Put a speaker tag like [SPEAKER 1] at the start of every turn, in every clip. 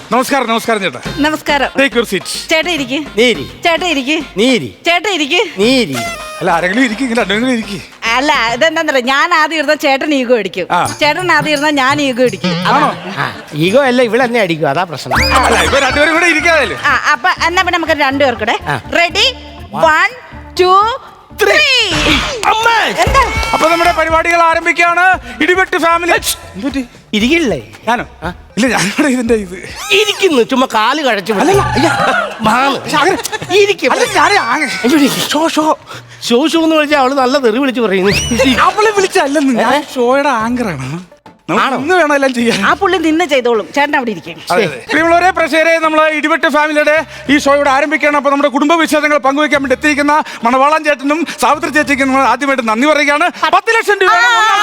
[SPEAKER 1] നമസ്കാരം നമസ്കാരം ചേട്ടാ.
[SPEAKER 2] നമസ്കാരം.
[SPEAKER 1] Take your seat.
[SPEAKER 2] ചേട്ടാ ഇരിക്ക്.
[SPEAKER 3] നീരി
[SPEAKER 2] ചേട്ടാ ഇരിക്ക്.
[SPEAKER 3] നീരി
[SPEAKER 2] ചേട്ടാ ഇരിക്ക്.
[SPEAKER 3] നീരി.
[SPEAKER 1] അല്ല ആരെങ്കിലും ഇരിക്കും, ഇങ്ങനെ രണ്ടെങ്കിലും ഇരിക്കും.
[SPEAKER 2] അല്ല ഇതെന്താ, ഞാൻ ആദ്യം ഇരുന്ന ചേട്ടൻ ഈഗോ അടിക്കും, ചേട്ടൻ ആദ്യം ഇരുന്ന ഞാൻ ഈഗോ അടിക്കും.
[SPEAKER 3] ഈഗോ അല്ല, ഇവിടെ തന്നെ അടിക്കും, അതാ പ്രശ്നം.
[SPEAKER 1] അല്ല ഇപ്പൊ രണ്ടുപേരും കൂടെ ഇരിക്കാതല്ലേ.
[SPEAKER 2] അപ്പൊ എന്നാ പിന്നെ നമുക്ക് രണ്ടുപേർക്കൂടെ റെഡി 1 2 3. എന്താ
[SPEAKER 1] അപ്പൊ നമ്മുടെ പരിപാടികൾ ആരംഭിക്കുകയാണ്. ഇടിവെട്ട് ഫാമിലി.
[SPEAKER 3] ഇരിക്കില്ലേ?
[SPEAKER 1] ഞാനോ? ഇല്ല, ഞാനിവിടെ ഇതിന്റെ ഇത്
[SPEAKER 3] ഇരിക്കുന്നു, ചുമ്മാ കാല് കഴച്ചു. ഷോ എന്ന് വിളിച്ചാൽ അവള് നല്ല തെറി വിളിച്ച് പറയുന്നു.
[SPEAKER 1] അവളെ വിളിച്ചല്ലെന്ന്, ഞാൻ ഷോയുടെ ആങ്കറാണ്. ഇന്ന് വേണം എല്ലാം ചെയ്യാൻ.
[SPEAKER 2] ആ പുള്ളി നിന്ന് ചെയ്തോളും, ചേട്ടൻ അവിടെ ഇരിക്കും.
[SPEAKER 1] പ്രിയമുള്ളവരെ, പ്രേക്ഷകരെ, നമ്മൾ ഇടിവെട്ട് ഫാമിലിയുടെ ഈ ഷോ ഇവിടെ ആരംഭിക്കുകയാണ്. അപ്പൊ നമ്മുടെ കുടുംബ വിശേഷങ്ങൾ പങ്കുവയ്ക്കാൻ വേണ്ടി എത്തിയിരിക്കുന്ന മണവാളൻ ചേട്ടനും സാവിത്രി ചേച്ചിക്കും നമ്മൾ ആദ്യമായിട്ട് നന്ദി പറയുകയാണ്. 10 ലക്ഷം രൂപ.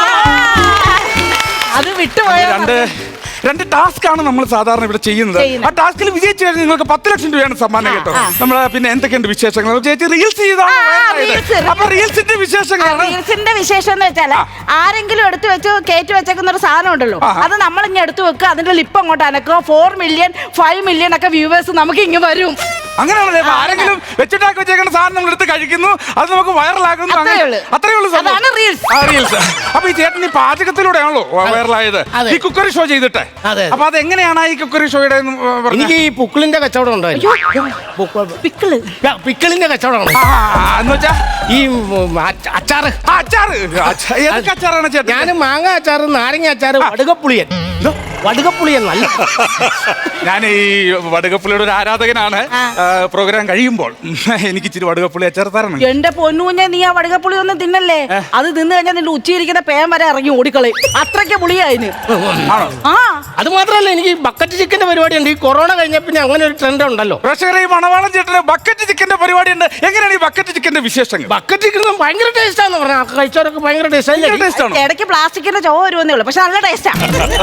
[SPEAKER 2] അത് വിട്ടുപോയ
[SPEAKER 1] രണ്ട് ടാസ്ക് ആണ് നമ്മൾ സാധാരണ ഇവിടെ ചെയ്യുന്നത്. ആ ടാസ്കിൽ വിജയിച്ചു കഴിഞ്ഞാൽ നിങ്ങൾക്ക് 10 ലക്ഷം രൂപയാണ് സമ്മാനം കേട്ടോ. നമ്മള് പിന്നെ എന്തൊക്കെയുണ്ട് വിശേഷങ്ങൾ? ചേച്ചി റീൽസ് ചെയ്താണ്. അപ്പൊ റീൽസിന്റെ വിശേഷങ്ങളാണ്.
[SPEAKER 2] റീൽസിന്റെ വിശേഷം എന്ന് വെച്ചാല് ആരെങ്കിലും എടുത്തു വെച്ച് കയറ്റി വെച്ചേക്കുന്ന ഒരു സാധനം ഉണ്ടല്ലോ, അത് നമ്മൾ ഇങ്ങനെ എടുത്തു വെക്കുക, അതിന്റെ ലിപ്പ് അങ്ങോട്ട് അനക്കുക. 4 മില്യൺ 5 മില്യൺ ഒക്കെ വ്യൂവേഴ്സ് നമുക്ക് ഇങ്ങനെ വരും.
[SPEAKER 1] അങ്ങനെയാണല്ലേ? ആരെങ്കിലും വെച്ചിട്ടാക്കി വെച്ചേക്കുന്ന സാധനം നമ്മൾ എടുത്ത് കഴിക്കുന്നു, അത് നമുക്ക് വൈറലാകുന്നു. അത്രേ ഉള്ളൂ റീൽസ്. അപ്പൊ ഈ ചേട്ടൻ ഈ പാചകത്തിലൂടെയാണല്ലോ വൈറലായത്, ഈ കുക്കറി ഷോ ചെയ്തിട്ട്. അപ്പൊ അതെങ്ങനെയാണ് ഈ കുക്കറി ഷോയുടെ?
[SPEAKER 3] എനിക്ക് ഈ പുക്കിളിന്റെ കച്ചവടം ഉണ്ടോ? പിക്കിളിന്റെ കച്ചവടമാണ്.
[SPEAKER 1] എന്ന് വെച്ചാ
[SPEAKER 3] ഈ അച്ചാറ്.
[SPEAKER 1] ഏതൊക്കെ അച്ചാറാണ് ചേട്ടൻ?
[SPEAKER 3] ഞാൻ മാങ്ങ അച്ചാറ്, നാരങ്ങ അച്ചാറ്, വടുകപ്പുളിയൻ. വടുകപ്പുളിയൻ നല്ല.
[SPEAKER 1] ഞാൻ ഈ വടുകപ്പുളിയുടെ ഒരു ആരാധകനാണ്. പ്രോഗ്രാം കഴിയുമ്പോൾ എനിക്ക് ഇച്ചിരി വടുകപ്പുളി അച്ചാർ തരണം.
[SPEAKER 2] എന്റെ പൊന്നൂഞ്ഞ, നീ ആ വടുകപ്പുളി ഒന്നും തിന്നല്ലേ. അത് തിന്നു കഴിഞ്ഞാൽ നിന്റെ ഉച്ചയിരിക്കുന്ന പേൻ വരെ ഇറങ്ങി ഓടിക്കളയും, അത്രയ്ക്ക് പുളിയായിന്.
[SPEAKER 3] അത് മാത്രമല്ല, എനിക്ക് ബക്കറ്റ് ചിക്കന്റെ പരിപാടി ഉണ്ട്. ഈ കൊറോണ കഴിഞ്ഞ പിന്നെ അങ്ങനെ ഒരു ട്രെൻഡ് ഉണ്ടല്ലോ.
[SPEAKER 1] പ്രേക്ഷകരെ, ഈ മണവാളൻ ചേട്ടന് ബക്കറ്റ് ചിക്കന്റെ പരിപാടി ഉണ്ട്. എങ്ങനെയാണ് ഈ ബക്കറ്റ് ചിക്കന്റെ വിശേഷങ്ങൾ?
[SPEAKER 3] ബക്കറ്റ് ചിക്കൻ ഭയങ്കര ടേസ്റ്റ് ആണെന്ന് പറഞ്ഞാൽ കഴിച്ചവരൊക്കെ ഭയങ്കര ടേസ്റ്റ്.
[SPEAKER 2] ഇടയ്ക്ക് പ്ലാസ്റ്റിക്കിന്റെ ചോ വരുമെന്നേ ഉള്ളൂ, പക്ഷെ നല്ല ടേസ്റ്റാണ്.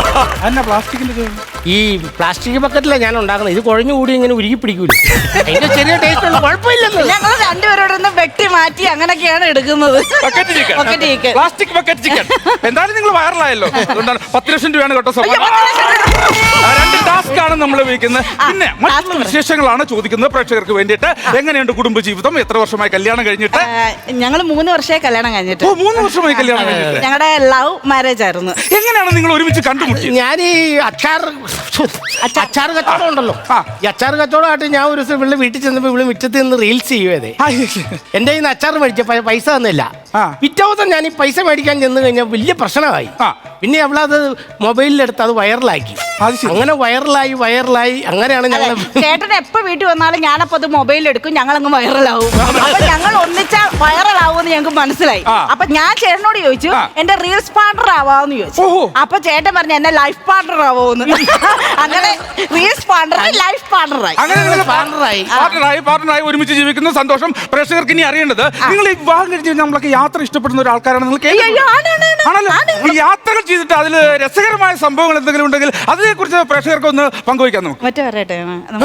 [SPEAKER 3] ഈ പ്ലാസ്റ്റിക് ബക്കറ്റിലാണ് ഞാൻ ഉണ്ടാക്കുന്നത്. ഇത് കുഴഞ്ഞു കൂടി ഇങ്ങനെ ഉരുകി പിടിക്കൂല. അതിന്റെ ചെറിയ ടേസ്റ്റ് ഉണ്ട്, കുഴപ്പമില്ലെന്ന്.
[SPEAKER 2] ഞങ്ങൾ രണ്ടുപേരോടൊന്ന് വെട്ടി മാറ്റി അങ്ങനെയൊക്കെയാണ് എടുക്കുന്നത്.
[SPEAKER 1] Plastic bucket chicken. എന്തായാലും നിങ്ങൾ വൈറലായല്ലോ, അതുകൊണ്ടാണ് 10 ലക്ഷം രൂപയാണ് കേട്ടോ സമ്മാനം. 2 ടാസ്ക് ആണ് നമ്മൾ ഉപയോഗിക്കുന്നത്. പിന്നെ മറ്റുള്ള വിശേഷങ്ങളാണ് ചോദിക്കുന്നത് പ്രേക്ഷകർക്ക് വേണ്ടിയിട്ട്. എങ്ങനെയുണ്ട് കുടുംബജീവിതം? എത്ര വർഷമായി കല്യാണം കഴിഞ്ഞിട്ട്?
[SPEAKER 2] ഞങ്ങൾ 3 വർഷമായി കല്യാണം കഴിഞ്ഞിട്ട്.
[SPEAKER 1] 3 വർഷമായി കല്യാണം കഴിഞ്ഞിട്ട്.
[SPEAKER 2] ഞങ്ങളുടെ ലവ് മാരേജ് ആയിരുന്നു.
[SPEAKER 1] എങ്ങനെയാണ് നിങ്ങൾ ഒരുമിച്ച് കണ്ടുമുട്ടിയത്?
[SPEAKER 3] ഞാൻ ഈ അച്ചാർ കച്ചവടം ഉണ്ടല്ലോ, ഈ അച്ചാർ കച്ചവടമായിട്ട് ഞാൻ ഒരു ദിവസം ഇവിടെ വീട്ടിൽ ചെന്നപ്പോ ഇവിടെ മുറ്റത്ത് നിന്ന് റീൽസ് ചെയ്യുവേ. എന്റെ കയ്യിൽ നിന്ന് അച്ചാർ മേടിച്ച പൈസ തന്നില്ല. പിറ്റേ ദിവസം ഞാൻ ഈ പൈസ മേടിക്കാൻ ചെന്ന് കഴിഞ്ഞാൽ വലിയ പ്രശ്നമായി. പിന്നെ അവളത് മൊബൈലിലെടുത്ത് അത് വൈറലാക്കി. അങ്ങനെ വൈറലായി അങ്ങനെയാണ് ഞങ്ങൾ.
[SPEAKER 2] ചേട്ടൻ എപ്പോ വീട്ടിൽ വന്നാലും ഞാനപ്പോ അത് മൊബൈലിൽ എടുക്കും, ഞങ്ങൾ അങ്ങ് വൈറലാവും. അപ്പൊ ഞങ്ങൾ ഒന്നിച്ചാൽ വൈറലാവുമെന്ന് ഞങ്ങൾക്ക് മനസ്സിലായി. അപ്പൊ ഞാൻ ചേട്ടനോട് ചോദിച്ചു, എന്റെ റീൽസ് പാർട്ണർ ആവാന്ന് ചോദിച്ചു. അപ്പൊ ചേട്ടൻ പറഞ്ഞു എന്നെ ലൈഫ് പാർട്ണർ ആവോന്ന്. അങ്ങനെ റീൽസ് പാർട്ണർ ലൈഫ് പാർട്ണറായി.
[SPEAKER 1] പാർട്ണറായി ഒരുമിച്ച് ജീവിക്കുന്ന സന്തോഷം. പ്രേക്ഷകർക്ക് ഇനി അറിയേണ്ടത്, നിങ്ങൾ ഈ വിവാഹം കഴിഞ്ഞ് നമ്മളൊക്കെ യാത്ര ഇഷ്ടപ്പെടുന്ന ഒരാൾക്കാരാണ് നിങ്ങൾ. യാത്രകൾ ചെയ്തിട്ട് അതിൽ രസകരമായ സംഭവങ്ങൾ എന്തെങ്കിലും ഉണ്ടെങ്കിൽ അതിനെക്കുറിച്ച് പ്രേക്ഷകർക്ക് ഒന്ന് പങ്കുവയ്ക്കാൻ നമുക്ക്.
[SPEAKER 2] മറ്റേ പറയട്ടെ,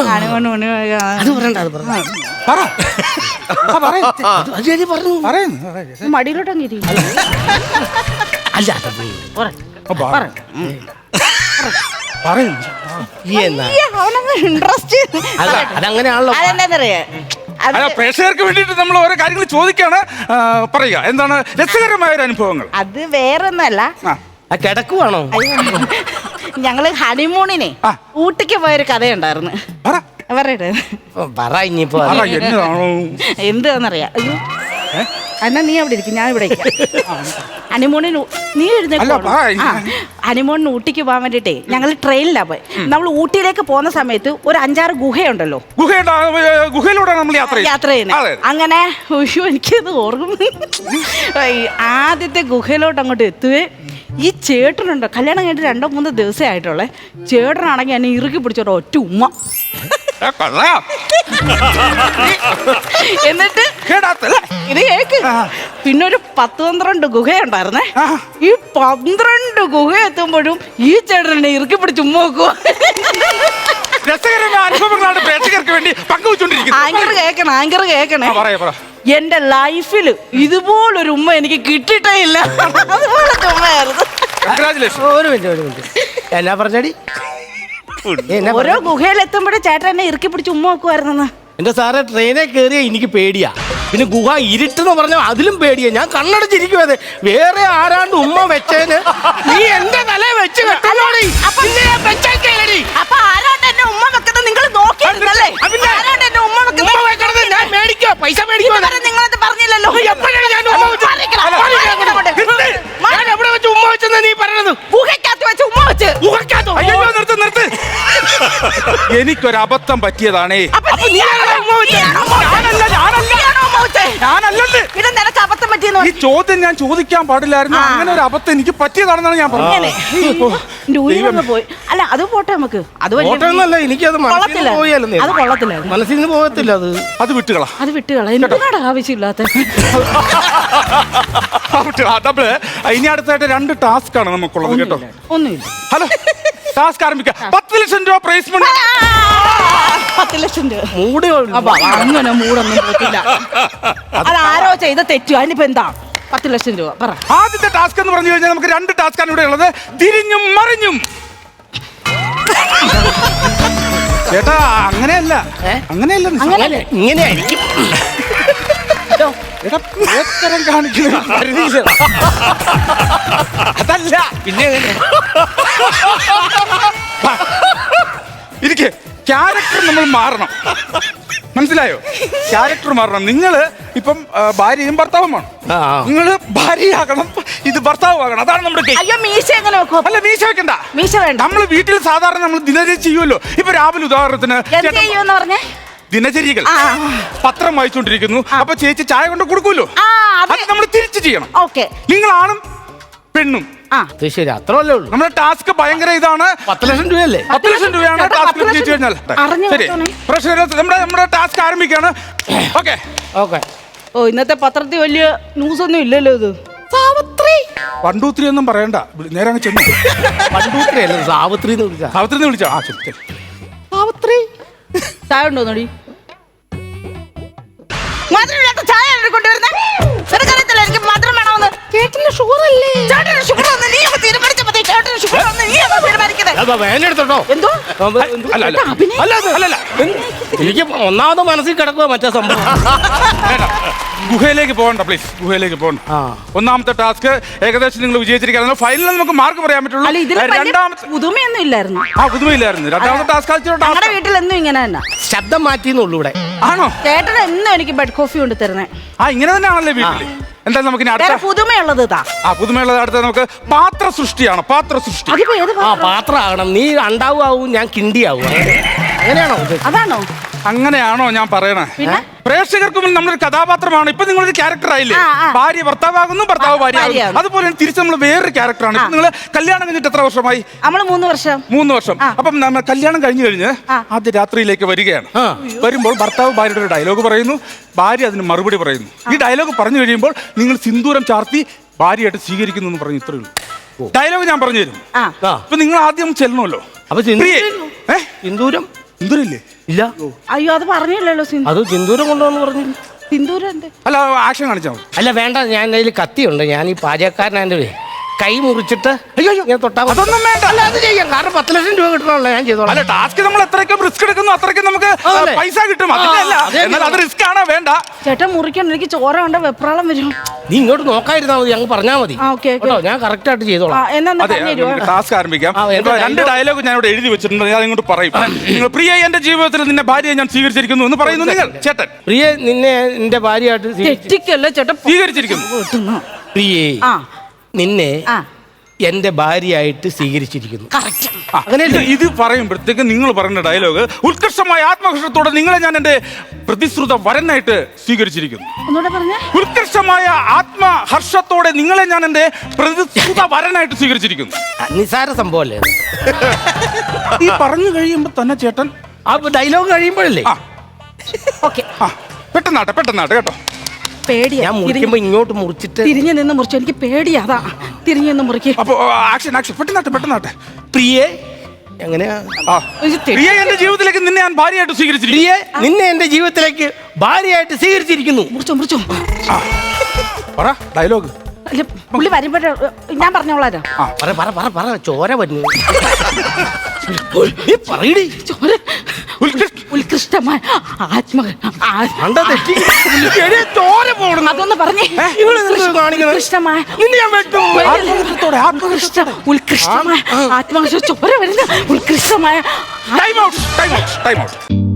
[SPEAKER 2] മടിയിലോട്ടങ്ങ് ഇൻട്രസ്റ്റ്.
[SPEAKER 3] അതങ്ങനെയാണല്ലോ.
[SPEAKER 2] അതെന്താന്നറിയാ,
[SPEAKER 1] പ്രേക്ഷകർക്ക് വേണ്ടിയിട്ട് നമ്മൾ ഓരോ കാര്യങ്ങൾ ചോദിക്കാണ്. പറയുക എന്താണ് രസകരമായ ഒരു അനുഭവങ്ങൾ?
[SPEAKER 2] അത് വേറൊന്നല്ല,
[SPEAKER 3] കിടക്കുവാണോ?
[SPEAKER 2] ഞങ്ങള് ഹണിമൂണിനെ ഊട്ടിക്ക് പോയൊരു കഥയുണ്ടായിരുന്നു. പറയട്ടെ. എന്താന്നറിയാം? അയ്യോ, എന്നാ നീ അവിടെ ഇരിക്കും, ഞാൻ ഇവിടെ ഹണിമൂണിന്. നീ ഹണിമൂണിന് ഊട്ടിക്ക് പോകാൻ വേണ്ടിട്ടേ ഞങ്ങൾ ട്രെയിനിലാ പോയി. നമ്മൾ ഊട്ടിയിലേക്ക് പോകുന്ന സമയത്ത് ഒരു 5-6 ഗുഹയുണ്ടല്ലോ,
[SPEAKER 1] ഗുഹയിലൂടെ നമ്മൾ
[SPEAKER 2] യാത്ര ചെയ്യുന്നത്. അങ്ങനെ എനിക്കത് ഓർമ്മ. ആദ്യത്തെ ഗുഹയിലോട്ട് അങ്ങോട്ട് എത്തുവേ, ഈ ചേട്ടനുണ്ടോ, കല്യാണം കഴിഞ്ഞിട്ട് 2-3 ദിവസമേ ആയിട്ടുള്ളേ. ചേട്ടനാണെങ്കിൽ എന്നെ ഇറുക്കി പിടിച്ചോട്ടോ ഒറ്റ ഉമ്മ. എന്നിട്ട് ഇത് കേക്ക്. പിന്നെ ഒരു 10-12 ഗുഹയുണ്ടായിരുന്നേ. ഈ 12 ഗുഹ എത്തുമ്പോഴും ഈ ചേട്ടനെ ഇറുക്കി പിടിച്ച് ഉമ്മ വെക്കുക.
[SPEAKER 1] രസകരമായ അനുഭവങ്ങളാണ് പ്രേക്ഷകർക്ക് വേണ്ടി പങ്കുവെച്ചോണ്ടിരിക്കുന്നത്.
[SPEAKER 2] ആങ്കർ കേക്കണേ. എന്റെ ലൈഫിൽ ഇതുപോലൊരു ഉമ്മ എനിക്ക് കിട്ടിയിട്ടേ ഇല്ല. അതുപോലത്തെ ഉമ്മയായിരുന്നു.
[SPEAKER 3] ഒരു മിനിറ്റ് എന്നാ പറഞ്ഞടി?
[SPEAKER 2] ഓരോ ഗുഹയിലെത്തുമ്പോഴും ചേട്ടൻ എന്നെ ഇറുക്കി പിടിച്ച് ഉമ്മ വെക്കുമായിരുന്നെന്ന്.
[SPEAKER 3] എന്റെ സാറേ ട്രെയിനെ കയറിയ എനിക്ക് പേടിയാ. പിന്നെ ഗുഹ ഇരുട്ടെന്ന് പറഞ്ഞാൽ അതിലും പേടിയാ. ഞാൻ കണ്ണടച്ചിരിക്കും. അത് വേറെ ആരാണ്ട് ഉമ്മ വെച്ചേന് നീ എന്റെ തല വെച്ച് കെട്ടല്ലോടി.
[SPEAKER 2] അപ്പൊ ആരാണ്ട് എന്നെ ഉമ്മ വെക്കുന്നത് നിങ്ങൾ നോക്കിയിരുന്നല്ലേ? ആരാണ്ട് എന്നെ ഉമ്മ
[SPEAKER 3] ഉമ്മ വെക്കണത് ഞാൻ മേടിക്കോ, പൈസ മേടിക്കോ?
[SPEAKER 2] നിങ്ങളത് പറഞ്ഞില്ലല്ലോ.
[SPEAKER 3] എപ്പോഴാണ് ഞാൻ ഉമ്മ വെച്ചത്? ഞാൻ എവിടെ വെച്ച് ഉമ്മ വെച്ചെന്ന് നീ പറയണത്?
[SPEAKER 2] ഗുഹയ്ക്കകത്ത് വെച്ച് ഉമ്മ വെച്ച്.
[SPEAKER 3] ഗുഹയ്ക്കകത്തോ?
[SPEAKER 1] അയ്യോ നിർത്ത്. എനിക്കൊരു അബദ്ധം പറ്റിയതാണേ. ഞാനല്ലേ.
[SPEAKER 2] ഇത് നിനക്ക് അബദ്ധം പറ്റിയെന്ന്
[SPEAKER 1] ഈ ചോദ്യം ഞാൻ ചോദിക്കാൻ പാടില്ലായിരുന്നു. അങ്ങനെ ഒരു അബദ്ധം എനിക്ക് പറ്റിയതാണെന്നാണ് ഞാൻ പറഞ്ഞത്.
[SPEAKER 2] പോയി. അല്ല അത് പോട്ടെ നമുക്ക്. അത്
[SPEAKER 3] ഓട്ടമൊന്നുമല്ല, എനിക്കത്
[SPEAKER 2] കൊള്ളത്തില്ല. അത് കൊള്ളത്തില്ല.
[SPEAKER 3] മനസ്സിൽ നിന്ന് പോകത്തില്ല.
[SPEAKER 1] അത് വിട്ടുകളാ.
[SPEAKER 2] എന്തിനാണ് ആവശ്യമില്ലാത്ത.
[SPEAKER 1] ഇനി അടുത്തായിട്ട് 2 ടാസ്ക് ആണ് നമുക്കുള്ളത് കേട്ടോ.
[SPEAKER 2] ഒന്നുമില്ല.
[SPEAKER 1] ഹലോ, ടാസ്ക് ആരംഭിക്കാം. 10 ലക്ഷം രൂപ പ്രൈസ് മണി.
[SPEAKER 2] 10 ലക്ഷം രൂപ.
[SPEAKER 3] മൂട്
[SPEAKER 2] അങ്ങനെ മൂടൊന്നും പോത്തില്ല. അതാരോ ചെയ്ത തെറ്റു. അതിനിപ്പോ എന്താ? 10 ലക്ഷം രൂപ പറ.
[SPEAKER 1] ആദ്യത്തെ ടാസ്ക് എന്ന് പറഞ്ഞു കഴിഞ്ഞാൽ നമുക്ക് 2 ടാസ്ക് ആണ് ഇവിടെ ഉള്ളത്. തിരിഞ്ഞും മറിഞ്ഞും. ചേട്ടാ അങ്ങനെയല്ല.
[SPEAKER 3] ഇങ്ങനെയായിരിക്കും.
[SPEAKER 1] അതല്ല
[SPEAKER 3] പിന്നെ
[SPEAKER 1] ഇരിക്കെ ക്യാരക്ടർ നമ്മൾ മാറണം. മനസ്സിലായോ? ക്യാരക്ടർ മാറണം. നിങ്ങള് ഇപ്പം ഭാര്യയും ഭർത്താവുമാണ്. നിങ്ങള് ഭാര്യയാകണം, ഇത് ഭർത്താവാകണം. അതാണ് നമ്മുടെ game.
[SPEAKER 2] അയ്യോ മീശ എങ്ങനെ വെക്കും?
[SPEAKER 1] അല്ല മീശ വെക്കണ്ട.
[SPEAKER 2] മീശ വേണ്ട.
[SPEAKER 1] നമ്മൾ വീട്ടിൽ സാധാരണ നമ്മൾ ദിനചര്യ ചെയ്യുമല്ലോ. ഇപ്പൊ രാവിലെ ഉദാഹരണത്തിന് ദിനചര്യകൾ പത്രം വായിച്ചുകൊണ്ടിരിക്കുന്നു. അപ്പൊ ചേച്ചി ചായ കൊണ്ട് കൊടുക്കൂല്ലോ. അത് നമ്മൾ തിരിച്ചു ചെയ്യണം. നിങ്ങളാണും പെണ്ണും.
[SPEAKER 3] ശരി, അത്രല്ലേ ഉള്ളൂ.
[SPEAKER 1] നമ്മുടെ ടാസ്ക് ഭയങ്കര ഇതാണ്.
[SPEAKER 3] 10 ലക്ഷം രൂപയല്ലേ?
[SPEAKER 1] 10 ലക്ഷം രൂപയാണ് ടാസ്ക് ജയിച്ചു കഴിഞ്ഞാൽ. ശരി, പ്രശ്നം നമ്മുടെ ടാസ്ക് ആരംഭിക്കാണ്. ഓക്കെ.
[SPEAKER 2] ഓ ഇന്നത്തെ പത്രത്തിൽ വലിയ ന്യൂസ് ഒന്നും ഇല്ലല്ലോ. ഇത് സാവിത്രി
[SPEAKER 1] 1 2 3 ഒന്നും പറയണ്ട. നേരെ അങ്ങ് ചെന്നു.
[SPEAKER 3] 1 2 3 അല്ല, സാവിത്രി എന്ന് വിളിച്ചാ.
[SPEAKER 1] സാവിത്രി വിളിച്ചോ? ആ ശരി.
[SPEAKER 2] സാവിത്രി ചായ ഉണ്ടോ നോടി? മധുരമില്ലാത്ത ചായ കൊണ്ടുവരുന്നേ. നിനക്കറിയത്തില്ല എനിക്ക് മധുരം വേണമെന്ന്. ചേട്ടന് ഷുഗർ അല്ലേ? ചേട്ടന് ഷുഗർ വന്ന് നീ തീരുമാനിച്ചാൽ മതി. ചേട്ടന് ഷുഗർ വന്ന് നീ തീരുമാനിക്കുന്നത്.
[SPEAKER 3] വേനെടുത്തോട്ടോ.
[SPEAKER 2] എന്തോ
[SPEAKER 1] അല്ല
[SPEAKER 3] എനിക്ക് ഒന്നാമത് മനസ്സിൽ കിടക്കുക മറ്റേ സംഭവം.
[SPEAKER 1] ഗുഹയിലേക്ക് പോകണ്ട പ്ലീസ്. ഗുഹയിലേക്ക് പോകണ്ട. ഒന്നാമത്തെ ടാസ്ക് ഏകദേശം നിങ്ങൾ വിജയിച്ചിരിക്കുകയാണ്. ഫൈനലിൽ നമുക്ക് മാർക്ക് പറയാൻ പറ്റുള്ളൂ. രണ്ടാമത്തെ
[SPEAKER 2] പുതുമയൊന്നും ഇല്ലായിരുന്നു.
[SPEAKER 1] പുതുമയില്ലായിരുന്നു. രണ്ടാമത്തെ ടാസ്ക്
[SPEAKER 2] ഞങ്ങളുടെ വീട്ടിൽ എന്നും ഇങ്ങനെ തന്നെ.
[SPEAKER 3] ശബ്ദം മാറ്റിന്നുള്ളൂ ഇവിടെ.
[SPEAKER 1] ആണോ?
[SPEAKER 2] ചേട്ടൻ എന്നും എനിക്ക് ബെഡ് കോഫി കൊണ്ട് തരുന്നേ.
[SPEAKER 1] ഇങ്ങനെ തന്നെയാണല്ലേ വീട്ടില്. എന്തായാലും നമുക്ക്
[SPEAKER 2] പുതുമയുള്ളത്
[SPEAKER 1] പുതുമയുള്ളത് അടുത്ത നമുക്ക് പാത്ര സൃഷ്ടിയാണ്. പാത്ര സൃഷ്ടി.
[SPEAKER 3] പാത്രമാകണം. നീ അണ്ടാവും, ഞാൻ കിണ്ടിയാവും. അങ്ങനെയാണോ?
[SPEAKER 2] അതാണോ?
[SPEAKER 1] അങ്ങനെയാണോ ഞാൻ പറയണേ? പ്രേക്ഷകർക്ക് മുന്നിൽ നമ്മളൊരു കഥാപാത്രമാണ്. ഇപ്പൊ നിങ്ങളൊരു ക്യാരക്ടർ ആയില്ലേ? ഭാര്യ ഭർത്താവാകുന്നു, ഭർത്താവ് ഭാര്യ. അതുപോലെ തിരിച്ച് നമ്മൾ വേറൊരു ക്യാരക്ടറാണ്. ഇപ്പൊ നിങ്ങൾ കല്യാണം കഴിഞ്ഞിട്ട് എത്ര വർഷമായി?
[SPEAKER 2] നമ്മൾ 3 വർഷം.
[SPEAKER 1] 3 വർഷം. അപ്പം നമ്മൾ കല്യാണം കഴിഞ്ഞ് ആദ്യ രാത്രിയിലേക്ക് വരികയാണ്. വരുമ്പോൾ ഭർത്താവ് ഭാര്യയുടെ ഒരു ഡയലോഗ് പറയുന്നു, ഭാര്യ അതിന് മറുപടി പറയുന്നു. ഈ ഡയലോഗ് പറഞ്ഞു കഴിയുമ്പോൾ നിങ്ങൾ സിന്ദൂരം ചാർത്തി ഭാര്യയായിട്ട് സ്വീകരിക്കുന്നു എന്ന് പറഞ്ഞു. ഇത്രയേ ഉള്ളൂ. ഡയലോഗ് ഞാൻ പറഞ്ഞു തരും. ഇപ്പൊ നിങ്ങൾ ആദ്യം ചെല്ലണമല്ലോ.
[SPEAKER 3] അപ്പൊ സിന്ദൂരം
[SPEAKER 1] സിന്ദൂരില്ലേ?
[SPEAKER 3] ഇല്ല.
[SPEAKER 2] അയ്യോ അത് പറഞ്ഞില്ലല്ലോ.
[SPEAKER 3] അത് സിന്ദൂരം കൊണ്ടുവന്ന് പറഞ്ഞു.
[SPEAKER 2] സിന്ദൂരം
[SPEAKER 1] അല്ല ആക്ഷൻ കാണിച്ചാൽ മതി.
[SPEAKER 3] അല്ല വേണ്ട, ഞാൻ അതിൽ കത്തിയുണ്ട്. ഞാൻ ഈ പാചകക്കാരനെ കൈ മുറിച്ചിട്ട് ഞാൻ തൊട്ടാ.
[SPEAKER 1] അതൊന്നും വേണ്ട.
[SPEAKER 3] അല്ല അത് ചെയ്യാം. കാരണം 10 ലക്ഷം രൂപ കിട്ടണല്ലോ. ഞാൻ ചെയ്തോളാം.
[SPEAKER 1] അല്ല ടാസ്ക് നമ്മൾ എത്രയൊക്കെ റിസ്ക് എടുക്കുന്നു അത്രയ്ക്ക് നമുക്ക് പൈസ കിട്ടും. എന്നാൽ അത് റിസ്ക് ആണോ? വേണ്ട
[SPEAKER 2] ചേട്ടൻ മുറിക്കണം. എനിക്ക് ചോര കണ്ട വെപ്രാളം വരും.
[SPEAKER 3] നീ ഇങ്ങോട്ട് നോക്കാതിരുന്നാ മതി. അങ്ങ് പറഞ്ഞാ മതി. ഞാൻ കറക്റ്റ് ആയിട്ട് ചെയ്തോളാം.
[SPEAKER 1] ടാസ്ക് ആരംഭിക്കാം. 2 ഡയലോഗ് ഞാൻ ഇവിടെ എഴുതി വെച്ചിട്ടുണ്ട്. ഞാൻ ഇങ്ങോട്ട് പറയും. നിങ്ങൾ പ്രിയ എന്റെ ജീവിതത്തിൽ നിന്നെ ഭാര്യയെ ഞാൻ സ്വീകരിച്ചിരിക്കുന്നു എന്ന് പറയുന്നു നിങ്ങൾ. ചേട്ടൻ
[SPEAKER 3] പ്രിയ നിന്നെ എന്റെ ഭാര്യയായിട്ട്
[SPEAKER 1] സ്വീകരിച്ചിരിക്കുന്നു.
[SPEAKER 3] പ്രിയേ നിന്നെ എന്റെ ഭാര്യയായിട്ട് സ്വീകരിച്ചിരിക്കുന്നു.
[SPEAKER 1] അങ്ങനെ ഇത് പറയുമ്പോഴത്തേക്ക് നിങ്ങൾ പറയുന്ന ഡയലോഗ് ഉത്കർഷമായ ആത്മഹർഷത്തോടെ നിങ്ങളെ ഞാൻ എന്റെ പ്രതിശ്രുത വരനായിട്ട് സ്വീകരിച്ചിരിക്കുന്നു. ഉത്കർഷമായ ആത്മഹർഷത്തോടെ നിങ്ങളെ ഞാൻ എന്റെ പ്രതിശ്രുത വരനായിട്ട് സ്വീകരിച്ചിരിക്കുന്നു.
[SPEAKER 3] നിസാര സംഭവല്ലേ
[SPEAKER 1] ഈ പറഞ്ഞു കഴിയുമ്പോ തന്നെ ചേട്ടൻ
[SPEAKER 3] ആ ഡയലോഗ് കഴിയുമ്പോഴല്ലേ?
[SPEAKER 1] പെട്ടെന്നാട്ടെ കേട്ടോ.
[SPEAKER 3] ഞാൻ മുറിക്കുമ്പോ ഇങ്ങോട്ട് മുറിച്ചിട്ട്
[SPEAKER 2] തിരിഞ്ഞു നിന്ന് മുറിച്ചു. എനിക്ക് പേടിയാ. തിരിഞ്ഞു നിന്ന് മുറിക്കും.
[SPEAKER 1] അപ്പൊ ആക്ഷൻ പെട്ടെന്നാട്ടെ.
[SPEAKER 3] പ്രിയേ എങ്ങനെയാ?
[SPEAKER 1] പ്രിയ എന്റെ ജീവിതത്തിലേക്ക് നിന്നെ ഞാൻ ഭാര്യയായിട്ട് സ്വീകരിച്ചിരിക്കുന്നു.
[SPEAKER 3] പ്രിയേ നിന്നെ എന്റെ ജീവിതത്തിലേക്ക് ഭാര്യയായിട്ട് സ്വീകരിച്ചിരിക്കുന്നു.
[SPEAKER 2] മുറിച്ചോ
[SPEAKER 1] ഡയലോഗ്.
[SPEAKER 2] പുള്ളി വരുമ്പോഴേ ഞാൻ പറഞ്ഞോളാം.
[SPEAKER 3] ചോര വന്നു. പറയടി.
[SPEAKER 2] ഉത്കൃഷ്ടമായ
[SPEAKER 3] ചോര പോകണം.
[SPEAKER 2] അതൊന്ന് പറഞ്ഞേ. ഉത്കൃഷ്ടമായ ഉത്കൃഷ്ടമായ ആത്മഹത്യ ചോര വരുന്ന ഉത്കൃഷ്ടമായ
[SPEAKER 1] ടൈം ഔട്ട്.